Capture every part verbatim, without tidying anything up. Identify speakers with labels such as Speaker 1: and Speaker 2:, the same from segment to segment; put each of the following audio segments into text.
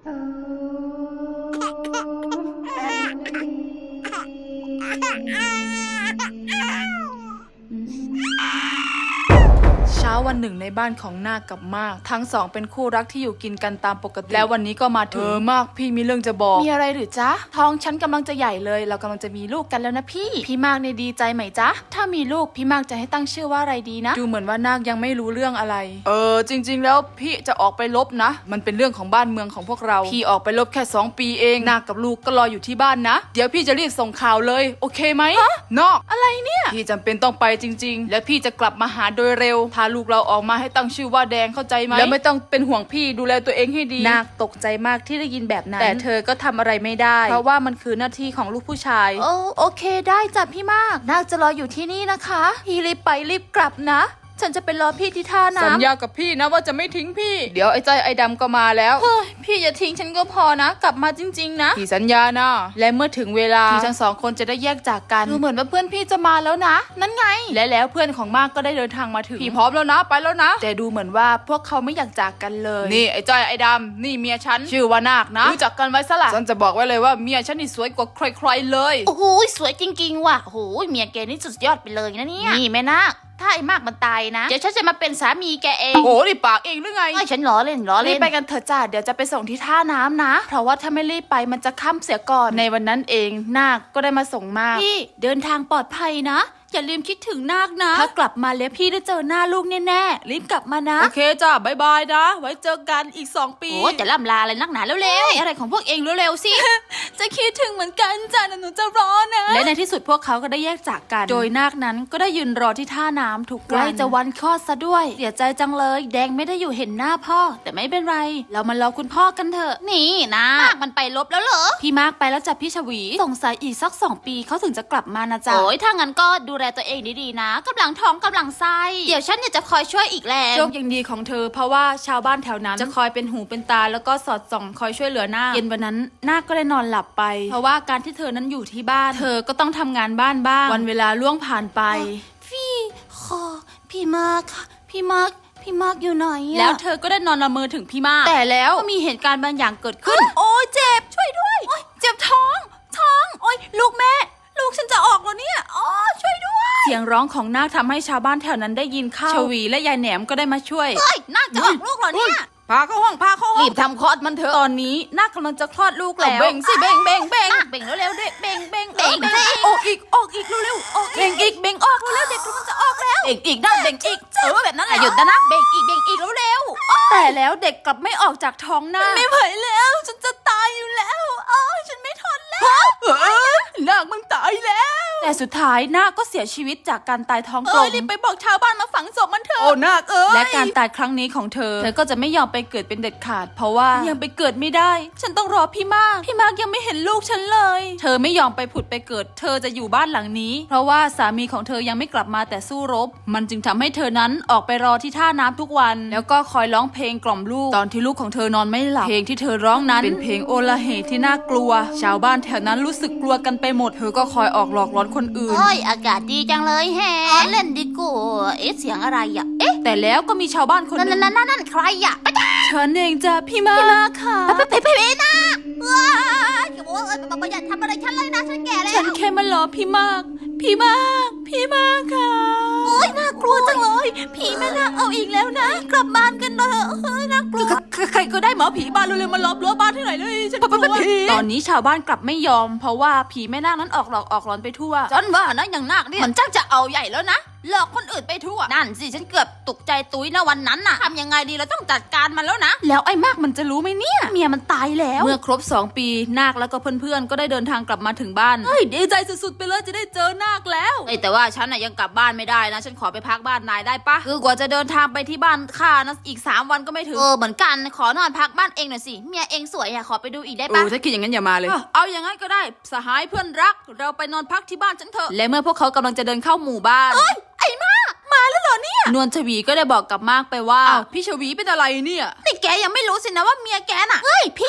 Speaker 1: เช้าวันหนึ่งในบ้านของนาคกับมากทั้งสองเป็นคู่รักที่อยู่กินกันตามปกติแล้ววันนี้ก็มาถึงเออมากพี่มีเรื่องจะบอกมีอะไรหรือจ๊ะท้องฉันกำลังจะใหญ่เลยเรากำลังจะมีลูกกันแล้วนะพี่พี่มากในดีใจไหมจ๊ะถ้ามีลูกพี่มากจะให้ตั้งชื่อว่าอะไรดีนะดูเหมือนว่านาคยังไม่รู้เรื่องอะไรเออจริงๆแล้วพี่จะออกไปลบนะมันเป็นเรื่องของบ้านเมืองของพวกเราพี่ออกไปลบแค่สองปีเองนาคกับลูกก็รออยู่ที่บ้านนะเดี๋ยวพี่จะรีบส่งข่าวเลยโอเคไหมนอกอะไรเนี่ยพี่จำเป็นต้องไปจริงๆและพี่จะกลับมาหาโดยเร็วพาลูกเราออกมาให้ตั้งชื่อว่าแดงเข้าใจไหมแล้วไม่ต้องเป็นห่วงพี่ดูแลตัวเองให้ดีนาคตกใจมากที่ได้ยินแบบนั้นแต่เธอก็ทำอะไรไม่ได้เพราะว่ามันคือหน้าที่ของลูกผู้ชายโอ้โอเคได้จ้ะพี่มากนาคจะรออยู่ที่นี่นะคะพี่รีบไปรีบกลับนะฉันจะไปรอพี่ที่ท่าน้ำสัญญากับพี่นะว่าจะไม่ทิ้งพี่เดี๋ยวไอ้ใจไอ้ดำก็มาแล้วเฮ้ยพี่อย่าทิ้งฉันก็พอนะกลับมาจริงๆนะพี่สัญญานะและเมื่อถึงเวลาที่ทั้งสองคนจะได้แยกจากกันดูเหมือนว่าเพื่อนพี่จะมาแล้วนะนั่นไงและแล้วเพื่อนของมากก็ได้เดินทางมาถึงพี่พร้อมแล้วนะไปแล้วนะแต่ดูเหมือนว่าพวกเขาไม่อยากจากกันเลยนี่ไอ้ใจไอ้ดำนี่เมียฉันชื่อว่านาคนะรู้จักกันไว้ซะละฉันจะบอกไว้เลยว่าเมียฉันนี่สวยกว่าใครๆเลย
Speaker 2: โอ้โหสวยจริงๆว่ะโอ้โหเมียแกนี่สุดยอดไปเลยนะเนี่ยนี่แม่นาคถ้าไอ้มากมันตายนะเดี๋ยวฉันจะมาเป็นสามีแกเอง
Speaker 1: โอ้โหนี่ปากเองหรือไง
Speaker 2: ไอ้ฉันล้อเล่นล้อเล่น
Speaker 1: รีบไปกันเถอะจ้าเดี๋ยวจะไปส่งที่ท่าน้ำนะเพราะว่าถ้าไม่รีบไปมันจะค่ำเสียก่อนในวันนั้นเองนาคก็ได้มาส่งมาก
Speaker 2: พี่เดินทางปลอดภัยนะอย่าลืมคิดถึงนาคนะ
Speaker 1: ถ้ากลับมาแล้วพี่ได้เจอหน้าลูกแน่ๆรีบกลับมานะโอเคจ้าบายบายนะไว้เจอกันอีกสองปี
Speaker 2: โอ้จะล่ำลาอะไรนักหนาเร็วๆอะไรของพวกเองเร็วๆสิ
Speaker 1: จะคิดถึงเหมือนกันจ้าหนูจะรอนะและในที่สุดพวกเขาก็ได้แยกจากกันโดยนาคนั้นก็ได้ยืนรอที่ท่าน้ำทุกวันใกล้จะวันคลอดซะด้วยเสียใจจังเลยแดงไม่ได้อยู่เห็นหน้าพ่อแต่ไม่เป็นไรเรามารอคุณพ่อกันเถอะ
Speaker 2: นี่นะมากมันไปลบแล้วเหรอ
Speaker 1: พี่มากไปแล้วจ้ะพี่ชวีสงสัยอีกสักสองปีเขาถึงจะกลับมานะจ๊ะ
Speaker 2: โอ้ยถ้างั้นก็ดูแลตัวเองดีๆนะกำลังท้องกำลังไส้เดี๋ยวฉันเนี่ยจะคอยช่วยอีกแรง
Speaker 1: โชคยังดีของเธอเพราะว่าชาวบ้านแถวนั้นจะคอยเป็นหูเป็นตาแล้วก็สอดส่องคอยช่วยเหลือนาคเย็นวันนั้นนาคก็ได้นอนหลับไปเพราะว่าการที่เธอนั้นอยู่ที่บ้านเธอก็ต้องทำงานบ้านบ้างวันเวลาล่วงผ่านไป
Speaker 2: พี่ขอพี่มากพี่มากพี่มากอยู่ไหนอะ
Speaker 1: แล้วเธอก็ได้นอนละเมอถึงพี่มากแต่แล้วก็มีเหตุการณ์บางอย่างเกิดขึ้น
Speaker 2: โอ้ยเจ็บช่วยด้วยโอ้ยเจ็บท้องท้องโอ้ยลูกแม่ลูกฉันจะออกแล้วเนี่ยอ๋อช่วยด้วย
Speaker 1: เสียงร้องของนาคทำให้ชาวบ้านแถวนั้นได้ยินเข้าชวีและยายแหนมก็ได้มาช่วย
Speaker 2: เฮ้ยนาคจะออกลูกเหรอเนี่ย
Speaker 1: พาเข้าห้องพาเข้าห้อง
Speaker 2: รีบทำคลอดมันเถอะ
Speaker 1: ตอนนี้นาคกำลังจะคลอดลูกแล้ว
Speaker 2: เบ่งสิเบ่งเบ่งเบ่ง
Speaker 1: เบ่งเร็วๆด้วยเบ่งเบ่ง
Speaker 2: เบ่งสิ
Speaker 1: ออกอีกออกอีกเร็วๆออกเบ่งอีกเบ่งออกเร็วๆเด็กกำลังจะออกแล้ว
Speaker 2: เบ่งอีกนะเบ่งอีกเออแบบนั้นแหละหยุดนะนะเบ่งอีกเบ่งอีกเร็ว
Speaker 1: ๆแต่แล้วเด็กกลับไม่ออกจากท้องนาค
Speaker 2: ไม่ไหวแล้วฉันจะตายอยู่แล้วอ๋อฉันไม่ทนแล้ว
Speaker 1: นาคมึงตายแล้วแต่สุดท้ายนาคก็เสียชีวิตจากการตายท้องกลม
Speaker 2: รีบไปบอกชาวบ้านมาฝังศพมันเถอะ
Speaker 1: โอ้นาคเอ้ยและการตายครั้งนี้ของเธอเธอก็จะไม่ยอมไปเกิดเป็นเด็ดขาดเพราะว่ายังไปเกิดไม่ได้ฉันต้องรอพี่มากพี่มากยังไม่เห็นลูกฉันเลยเธอไม่ยอมไปผุดไปเกิดเธอจะอยู่บ้านหลังนี้เพราะว่าสามีของเธอยังไม่กลับมาแต่สู้รบมันจึงทำให้เธอนั้นออกไปรอที่ท่าน้ำทุกวันแล้วก็คอยร้องเพลงกล่อมลูกตอนที่ลูกของเธอนอนไม่หลับเพลงที่เธอร้องนั้นเป็นเพลงโอลาเหที่น่ากลัวชาวบ้านแถวนั้นรู้สึกกลัวกันไปหมดเธอก็คอยออกหลอกหลอนคนอื่น
Speaker 2: โอ้ยอากาศดีจังเลยแฮเล่นดิกูเอ๊ะเสียงอะไรอ่ะเอ๊ะ
Speaker 1: แต่แล้วก็มีชาวบ้านคนนึง
Speaker 2: นั่นนั่นนั่นใครอ่ะ
Speaker 1: ฉันเองจ้ะพี่มาก
Speaker 2: พี่มากค่ะไปไปไปนะว้าอย่าบอกว่าเออบอกว่าอย่าทำอะไรฉันเลยนะฉันแก่แล้ว
Speaker 1: ฉันแค่มารอพี่มากพี่มากพี่มากค่ะ
Speaker 2: โอ้ยน่ากลัวจังเลยผีแม่นาคเอาอีกแล้วนะกลับบ้านกันเถอะเฮ้ยน่ากลัว
Speaker 1: ใครก็ได้หมอผีบ้านเร็วๆมาล้อมรั้วบ้านให้หน่อยเลยฉันกลัวตอนนี้ชาวบ้านกลับไม่ยอมเพราะว่าผีแม่นาคนั้นออกหลอกออกหลอนไปทั่ว
Speaker 2: ฉันว่านะอย่างนาคเนี่ยมันจักจะเอาใหญ่แล้วนะหลอกคนอื่นไปทั่วนั่นสิฉันเกือบตกใจตุ้ยนะวันนั้นน่ะทำยังไงดีเราต้องจัดการมันแล้วนะ
Speaker 1: แล้วไอ้มากมันจะรู้ไหมเนี่ยเมียมันตายแล้วเมื่อครบสองปีนาคแล้วก็เพื่อนๆก็ได้เดินทางกลับมาถึงบ้านเฮ้ยดีใจสุดๆไปเลยจะได้เจอนาคแล้ว
Speaker 2: เอ้แต่ว่าฉันน่ะยังกลับบ้านไม่ได้นะฉันขอไปพักบ้านนายได้ปะคือกว่าจะเดินทางไปที่บ้านข้านะอีกสามวันก็ไม่ถึงเออเหมือนกันขอนอนพักบ้านเองหน่อยสิเมียเองสวยอะขอไปดูอีกได้ปะ
Speaker 1: เออถ้าคิดอย่างนั้นอย่ามาเลยเอาอย่างงั้นก็ได้สหายเพื่อนรักเราไปนอนพักที่บ้านฉันเถอะและเมื่อพวกเขากำลังจะเดินเข้าหมู่บ้าน
Speaker 2: เอ้ยไอ้มากมาแล้วเหรอเนี่ย
Speaker 1: นวลชวีก็ได้บอกกับมากไปว่าพี่ชวีเป็นอะไรเนี่ย
Speaker 2: นี่แกยังไม่รู้สินะว่าเมียแกน่ะเฮ้ยพี่มาก
Speaker 1: เอ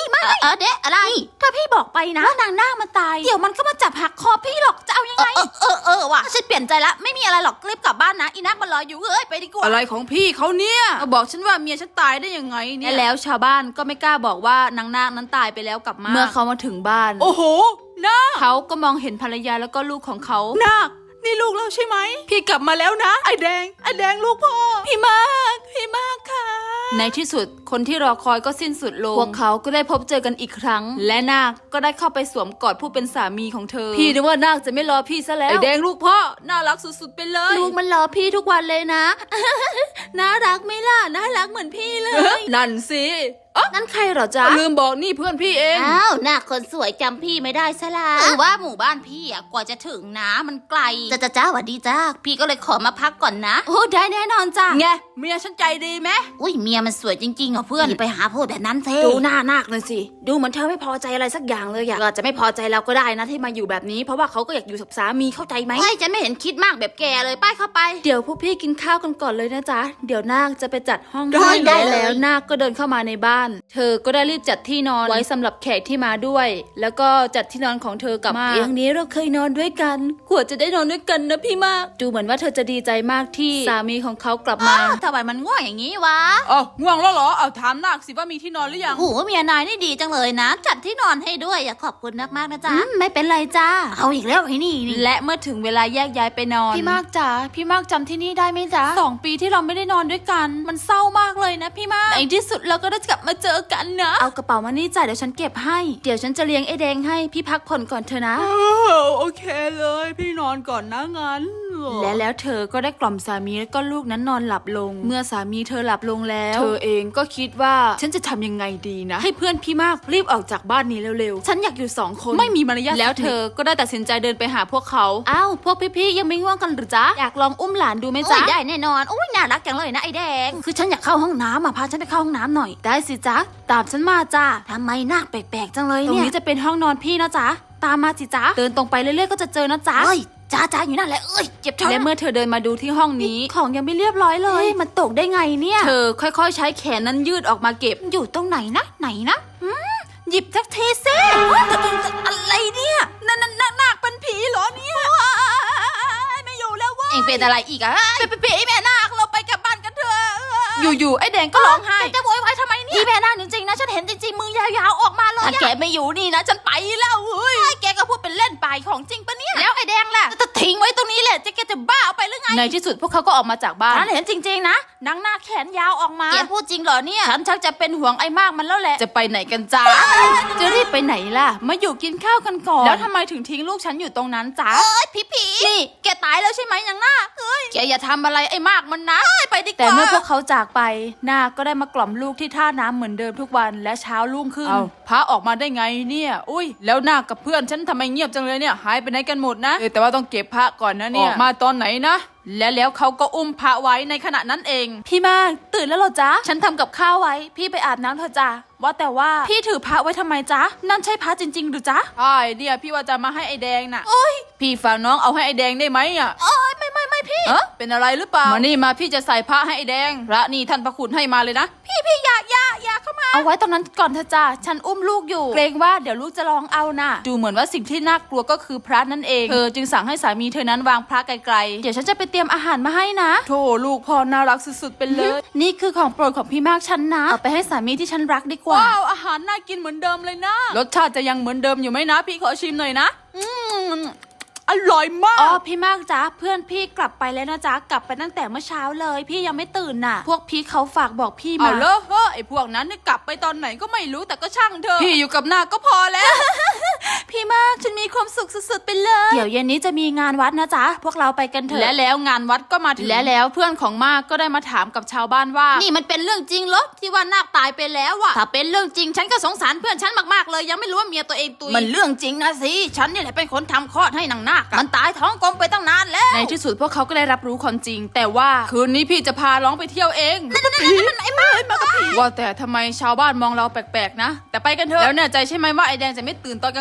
Speaker 2: อเดะอะไรถ้าพี่บอกไปนะว่านางนาคมันตายเดี๋ยวมันก็มาจับหักคอพี่หรอกจะเอายังไงเออเออเออว่ะฉันเปลี่ยนใจละไม่มีอะไรหรอกรีบกลับบ้านนะอีนาคมันรออยู่เอ้ยไปดีกว่า
Speaker 3: อะไรของพี่เขาเนี่ยมาบอกฉันว่าเมียฉันตายได้ยังไงเนี่ย
Speaker 2: และแล้วชาวบ้านก็ไม่กล้าบอกว่านางนาคนั้นตายไปแล้วกับมา
Speaker 1: เมื่อเขามาถึงบ้าน
Speaker 3: โอ้โหนาค
Speaker 2: เขาก็มองเห็นภรรยาแล้วก็ลูกของเขา
Speaker 3: นาคนี่ลูกเราใช่ไหมพี่กลับมาแล้วนะไอแดงไอแดงลูกพ่อพี่มากพี่มากค่ะ
Speaker 2: ในที่สุดคนที่รอคอยก็สิ้นสุดลงพวกเขาก็ได้พบเจอกันอีกครั้ง และนาคก็ได้เข้าไปสวมกอดผู้เป็นสามีของเธอ
Speaker 1: พี่นึกว่านาคจะไม่รอพี่ซะแล้ว
Speaker 3: ไอแดงลูกพ่อน่ารักสุดๆไปเลย
Speaker 2: ลูกมันรอพี่ทุกวันเลยนะ น่ารักไหมล่ะน่ารักเหมือนพี่เลย
Speaker 3: นั่นสิ
Speaker 2: นั่นใครเหรอจ๊ะ
Speaker 3: ลืมบอกนี่เพื่อนพี่เอง
Speaker 2: อ้าวหน้าคนสวยจำพี่ไม่ได้ซะละคือว่าหมู่บ้านพี่อะกว่าจะถึงนะมันไกลจ้าจ้าจ้าหวัดดีจ้าพี่ก็เลยขอมาพักก่อนนะโอ้ได้แน่นอนจ้า
Speaker 3: ไงเมียฉันใจดีไหม
Speaker 2: อุ้ยเมียมันสวยจริงๆเหรอเพื่อนอย่าไปหาพูดแบบนั้นเถ
Speaker 1: ดู
Speaker 2: อะ
Speaker 1: หน้านาคเลยสิ ดูเหมือนเธอไม่พอใจอะไรสักอย่างเลยอะอาจจะไม่พอใจเราก็ได้นะที่มาอยู่แบบนี้ เพราะว่าเขาก็อยากอยู่กับสามีเข้าใจไหม
Speaker 2: เฮ้ยฉันไม่เห็นคิดมากแบบแกเลยป้ายเข้าไป
Speaker 1: เดี๋ยวพวกพี่กินข้าวกันก่อนเลยนะจ๊ะ เดี๋ยวนาคจะไปจัดห้อง
Speaker 2: ได้
Speaker 1: ให้
Speaker 2: ได้
Speaker 1: และ
Speaker 2: เลย
Speaker 1: แล้วนาคก็เดินเข้ามาในบ้าน เธอก็ได้รีบจัดที่นอนไว้สำหรับแขกที่มาด้วย แล้วก็จัดที่นอนของเธอกับเตียงนี้เราเคยนอนด้วยกันกว่าจะได้นอนด้วยกันนะพี่มาก ดูเหมือนว่าเธอจะดีใจมากที่สามีของเขากลับมา
Speaker 2: อ้าวทำไมมันง่วงอย่างนี้วะ
Speaker 3: อ๋อง่วงแล้วเหรอเอาถามนาคสิว่ามีที่นอนหรือยัง
Speaker 2: โอ้โหเมียนายนี่ดีจังเลยนะ จัดที่นอนให้ด้วยอยากขอบคุณมากๆนะจ๊ะไม่เป็นไรจ้าเอาอีกแล้วไอ้นี่นี่
Speaker 1: และเมื่อถึงเวลาแยกย้ายไปนอน พี่มากจ๋าพี่มากจำที่นี่ได้ไหมจ๊ะสองปีที่เราไม่ได้นอนด้วยกัน มันเศร้ามากเลยนะพี่มากในที่สุดเราก็ได้กลับมาเจอกันนะเอากระเป๋ามานี่จ้ะเดี๋ยวฉันเก็บให้เดี๋ยวฉันจะเลี้ยงไอ้แดงให้พี่พักผ่อนก่อนเถอะนะ
Speaker 3: เออโอเคเลยพี่นอนก่อนนะงั้น
Speaker 1: และแล้วเธอก็ได้กล่อมสามีและก็ลูกนั้นนอนหลับลง เมื่อสามีเธอหลับลงแล้ว เธอเองก็คิดว่าฉันจะทำยังไงดีนะ ให้เพื่อนพี่มากรีบออกจากบ้านนี้เร็วๆฉันอยากอยู่สองคนไม่มีมารยาทแล้วเธอก็ได้ตัดสินใจเดินไปหาพวกเขาอ้าวพวกพี่ๆยังไม่ง่วงกันหรือจ๊ะอยากลองอุ้มหลานดูไหม
Speaker 2: โอ้
Speaker 1: จ๊ะ
Speaker 2: ยได้แน่นอนโอ้ยน่ารักจังเลยนะไอ้แดง
Speaker 1: คือฉันอยากเข้าห้องน้ำอ่ะพาฉันไปเข้าห้องน้ำหน่อยได้สิจ๊ะตามฉันมาจ้า
Speaker 2: ทำไมหน้าแปลกๆจังเลย
Speaker 1: ตรง
Speaker 2: เนี่ย
Speaker 1: นี้จะเป็นห้องนอนพี่นะจ๊ะตามมาสิจ๊ะเดินตรงไปเรื่อยๆก็จะเจอนะจ๊ะ
Speaker 2: เอ้ยจ้าจ้าอยู่นั่นแหละเอ้ยเจ็บท้อง
Speaker 1: และเมื่อเธอเดินมาดูที่ห้องนี้ของยังไม่เรียบร้อยเลย มันตกได้ไงเนี่ย เธอค่อยๆ ใช้แขนนั้นยืดออกมาเก็บ
Speaker 2: อยู่ตรงไหนนะไหนนะหืมหยิบทักทีเซ่อะไรเนี่ยนั่นนั่นนั่นนาคเป็นผีเหรอเนี่ยไม่อยู่แล้ววะเอ็งเป็นอะไรอีกอะเป็นผีแม่นาคเราไปกลับบ้านกันเถอะ
Speaker 1: อยู่ๆไอ้แดงก็ร้องไห้
Speaker 2: จะโวยวายทำไมเนี่ยพี่แม่นาคจริงๆนะฉันเห็นจริงๆมือยาวๆออกมาเลยถ้าแกไม่อยู่นี่นะฉันไปแล้วเฮ้ยแกก็พูดเป็นเล่นไปของจริงปะเนี่ยแล้วไอ้แดงล่ะจะทิ้งไว้ตรงนี้แหละจะแกจะบ้าเอาไปหรือไง
Speaker 1: ในที่สุดพวกเขาก็ออกมาจากบ้าน
Speaker 2: ฉันเห็นจริงๆนะนางนาคแขนยาวออกมาแกพูดจริงเหรอเนี่ย
Speaker 1: ฉันชักจะเป็นห่วงไอ้มากมันแล้วแหละ จะไปไหนกันจ้าจะรีบไปไหนล่ะ มาอยู่กินข้าวกันก่อน แล้วทำไมถึงทิ้งลูกฉันอยู่ตรงนั้นจ้า
Speaker 2: เอ้ยผีผีนี่แกตายแล้วใช่ไหมนางนาคเฮ้ยแกอย่าทำอะไรไอ้มากมันนะเฮ้ยไปดีกว่า
Speaker 1: แต่เมื่อพวกเขาจากไปนาคก็ได้มากล่อมลูกที่ท่าน้ำเหมือนเดิมทุกวันและเช้ารุ่งขึ้น
Speaker 3: เอาพระออกมาได้ไงเนี่ยอุ้ยแล้วนาคกับเพื่อนฉันทำไมเงียบจังเลยเนี่ยหายไปไหนกันหมดนะเออแต่ว่าต้องเก็บพระก่อนนะเนี่ยออกมาตอนไหนนะและแล้วเขาก็อุ้มพระไว้ในขณะนั้นเอง
Speaker 1: พี่มากตื่นแล้วเหรอจ๊ะ ฉันทำกับข้าวไว้ พี่ไปอาบน้ำเถอะจ้ะว่าแต่ว่าพี่ถือพระไว้ทำไมจ๊ะ นั่นใช่พระจริงๆหรือจ๊ะ
Speaker 3: ใช่เนี่ยพี่ว่าจะมาให้ไอแดงน่ะโอ้ยพี่ฝากน้องเอาให้ไอแดงได้ไหมอ่ะ
Speaker 2: โอ้ยไม่ไม่ไม่พี่
Speaker 3: เออเป็นอะไรหรือเปล่ามานี่มาพี่จะใส่พระให้ไอแดงพระนี่ท่านพระคุณให้มาเลยนะ
Speaker 2: พี่พี่อย่าอย่าอย่าเข้ามา
Speaker 1: เอาไว้ตรงนั้นก่อนเถอะจ้ะฉันอุ้มลูกอยู่ เกรงว่าเดี๋ยวลูกจะร้องเอาน่ะ ดูเหมือนว่าสิ่งที่น่ากลัวก็คือพระนั่นเอง เธอจึงสั่งให้สามีเธอนั้นวางพระไกลๆ เดี๋ยวฉันจะไปเตรียมอาหารมาให้นะ
Speaker 3: โธ่ลูกพ่อน่ารักสุดๆไปเลย
Speaker 1: นี่คือของโปรดของพี่มากฉันนะ เอาไปให้สามีที่ฉันรักดีกว่า
Speaker 3: ว้าวอาหารน่ากินเหมือนเดิมเลยนะรสชาติจะยังเหมือนเดิมอยู่ไหมนะ พี่ขอชิมหน่อยนะอืมอร่อยมาก
Speaker 1: อ๋อพี่มากจ้ะเพื่อนพี่กลับไปแล้วนะจ๊ะกลับไปตั้งแต่เมื่อเช้าเลย พี่ยังไม่ตื่นน่ะ พวกพี่เขาฝากบอกพี่
Speaker 3: เอา
Speaker 1: มา
Speaker 3: เลอะเฮ้อไอพวกนั้นเนี่ยกลับไปตอนไหนก็ไม่รู้แต่ก็ช่างเถอะพี่อยู่กับนาคก็พอแล้ว
Speaker 1: พี่มากฉันมีความสุขสุดๆไปเลย เดี๋ยวเย็นนี้จะมีงานวัดนะจ๊ะพวกเราไปกันเถอะ
Speaker 3: และแล้วงานวัดก็มาถึง
Speaker 1: และแล้วเพื่อนของมากก็ได้มาถามกับชาวบ้านว่า
Speaker 2: นี่มันเป็นเรื่องจริงเหรอที่ว่านาคตายไปแล้วอะถ้าเป็นเรื่องจริงฉันก็สงสารเพื่อนฉันมากๆเลยยังไม่รู้ว่าเมียตัวเองตุยมันเรื่องจริงนะสิฉันนี่แหละเป็นคนทำคลอดให้นางนาคมันตายท้องกลมไปตั้งนานแล้ว
Speaker 1: ในที่สุดพวกเขาก็ได้รับรู้ความจริง แต่ว่า
Speaker 3: คืนนี้พี่จะพาร้องไปเที่ยวเอง
Speaker 2: ไอ้มากมากับผี
Speaker 3: ว่าแต่ทำไมชาวบ้านมองเราแปลกๆนะแต่ไปกันเถอะแล้วแน่ใจใช่ไหมว่าไอแดงจะไม่ตื่นตอนกลางคืน
Speaker 2: ไม่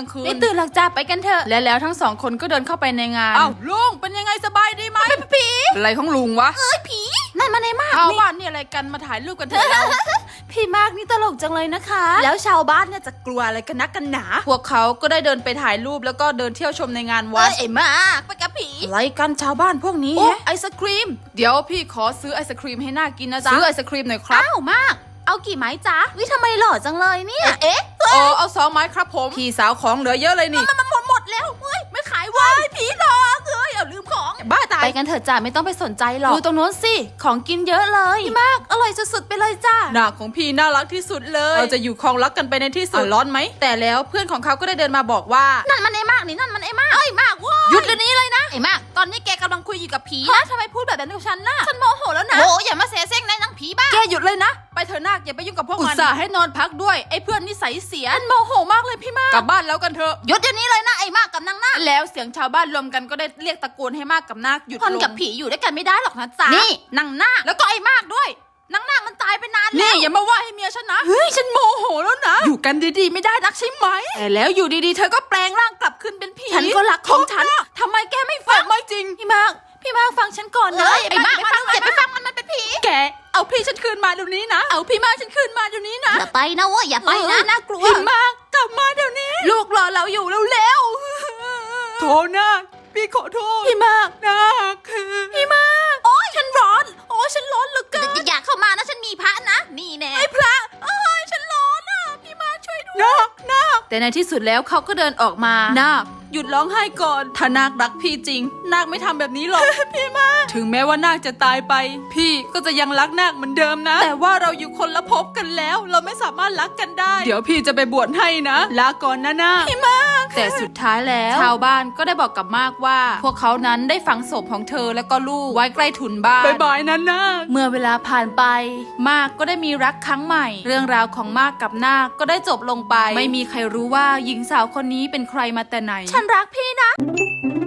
Speaker 2: ตื่นหลักจ้าไปกันเถอะ
Speaker 1: และแล้วทั้งสองคนก็เดินเข้าไปในงาน
Speaker 3: อ้าวลุงเป็นยังไงสบายดีไหมผีอะไรของลุงวะ
Speaker 2: นั่นมันไอ้มาก
Speaker 3: ชาว
Speaker 2: นี่
Speaker 3: บ้านนี่อะไรกันมาถ่ายรูปกันเถอะเรา
Speaker 2: พี่มากนี่ตลกจังเลยนะคะ แล้วชาวบ้านเนี่ยจะกลัวอะไรกันนักกันหนา
Speaker 3: พวกเขาก็ได้เดินไปถ่ายรูปแล้วก็เดินเที่ยวชมในงานวั
Speaker 2: เอ้
Speaker 3: ด
Speaker 2: ยไอ้มากไปกับผี
Speaker 3: อะไรกันชาวบ้านพวกนี้
Speaker 2: โอ้
Speaker 3: แฮะไอศครีม เดี๋ยวพี่ขอซื้อไอศครีมให้น่ากินนะจ๊ะซื้อไอศครีมหน่อยครับ
Speaker 2: อ้าวมาก เอากี่ไม้จ๊ะวิทำไมหล่อจังเลยเนี่ยเอ๊ะ
Speaker 3: โอ้เอาสองไม้ครับผมพี่สาวของเหลือเยอะเลยนี่
Speaker 2: มันหมดหมดแล้วเฮ้ยไม่ขายเว้ยผีหลอกเฮ้ยเอาลืมของ
Speaker 3: บ้าตาย
Speaker 2: ไปกันเถอะจ้าไม่ต้องไปสนใจหรอกดูตรงโน้นสิของกินเยอะเลยพี่มากอร่อยสุดๆไปเลยจ้า
Speaker 3: หน้าของพี่น่ารักที่สุดเลยเราจะอยู่คลองรักกันไปในที่สุดร้อนไหมแต่แล้วเพื่อนของเขาก็ได้เดินมาบอกว่า
Speaker 2: นั่นมันไอ้มากนี่นั่นมันไอ้มากเอ้ยมากเว้ยหยุดเดี๋ยวนี้เลยนะไอ้มากตอนนี้แกกำลังคุยอยู่กับผีนะทำไมพูดแบบนั้นกับฉันน่ะฉันโมโหแล้วนะโอ้อย่ามาเสแสร้งนะนางผีบ้า
Speaker 3: แกหยุดเลยนะไปเถอะนาคอย่าไปยุ่งกับพวกมันอุตส่าห์ให้นอนพักด้วยไอ้เพื่อนนิสัยเสีย
Speaker 2: โมโหมากเลยพี่มาก
Speaker 3: กลับบ้านแล้วกันเถอะ
Speaker 2: หยุดเดี๋ยวนี้เลยนะไอ้มากกับนางนาค
Speaker 3: แล้วเสียงชาวบ้านรวมกันก็ได้เรียกตะโกนให้มากกับนาคหยุด
Speaker 2: คน
Speaker 3: ลง
Speaker 2: กับผีอยู่ด้วยกันไม่ได้หรอกนะจ๊ะนี่นางนาคแล้วก็ไอ้มากด้วยนางนาคมันตายไปนานแล้ว
Speaker 3: นี่อย่ามาว่าให้เมียฉันนะเฮ้ยฉันโมโหแล้วนะอยู่กันดีๆไม่ได้นักใช่ไหมแต่แล้วอยู่ดีๆเธอก็แปลงร่างกลับขึ้นเป็นผี
Speaker 2: ฉันก็รักของฉัน
Speaker 3: ทำไมแกไม่ฟังไม่จริง
Speaker 2: พี่มากพี่มากฟังฉันก่อนนะไอ้มากฟังอย่าไปฟังมันมันเป็นผี
Speaker 3: แกเอาพี่ฉันคืนมาเดี๋ยวนี้นะเอาพี่มากฉันคืนมาเดี๋ยวนี้นะ
Speaker 2: อย่าไปนะเว้ยอย่าไปนะน่ากลัว
Speaker 3: พี่มากกลับมาเดี๋ยวนี้ ลูกรอเราอยู่เร็วๆโทษนะพี่ขอโทษพี่มากนะพี่มาก
Speaker 2: โอ้ยฉันร้อน โอ้ยฉันร้อนเหลือเกินอย่าเข้ามานะฉันมีพระนะนี่แน่ไอ้พระเอ้ยฉันร้อนอ่ะพี่มาช่วยด้วย
Speaker 3: นาคนาคแต่ในที่สุดแล้วเขาก็เดินออกมานาคหยุดร้องไห้ก่อนถ้านาครักพี่จริง นาคไม่ทำแบบนี้หรอก พี่มากถึงแม้ว่านาคจะตายไป พี่ก็จะยังรักนาคเหมือนเดิมนะ แต่ว่าเราอยู่คนละภพกันแล้ว เราไม่สามารถรักกันได้ เดี๋ยวพี่จะไปบวชให้นะลาก่อนนะนาคพี่มากแต่สุดท้ายแล้วชาวบ้านก็ได้บอกกับมากว่า พวกเขานั้นได้ฝังศพของเธอและก็ลูกไว้ใกล้ถุนบ้านบายบายนะนาค
Speaker 1: เมื่อเวลาผ่านไป มากก็ได้มีรักครั้งใหม่ เรื่องราวของมากกับนาคก็ได้จบลงไป ไม่มีใครรู้ว่าหญิงสาวคนนี้เป็นใครมาแต่ไหน
Speaker 2: ฉันรักพี่นะ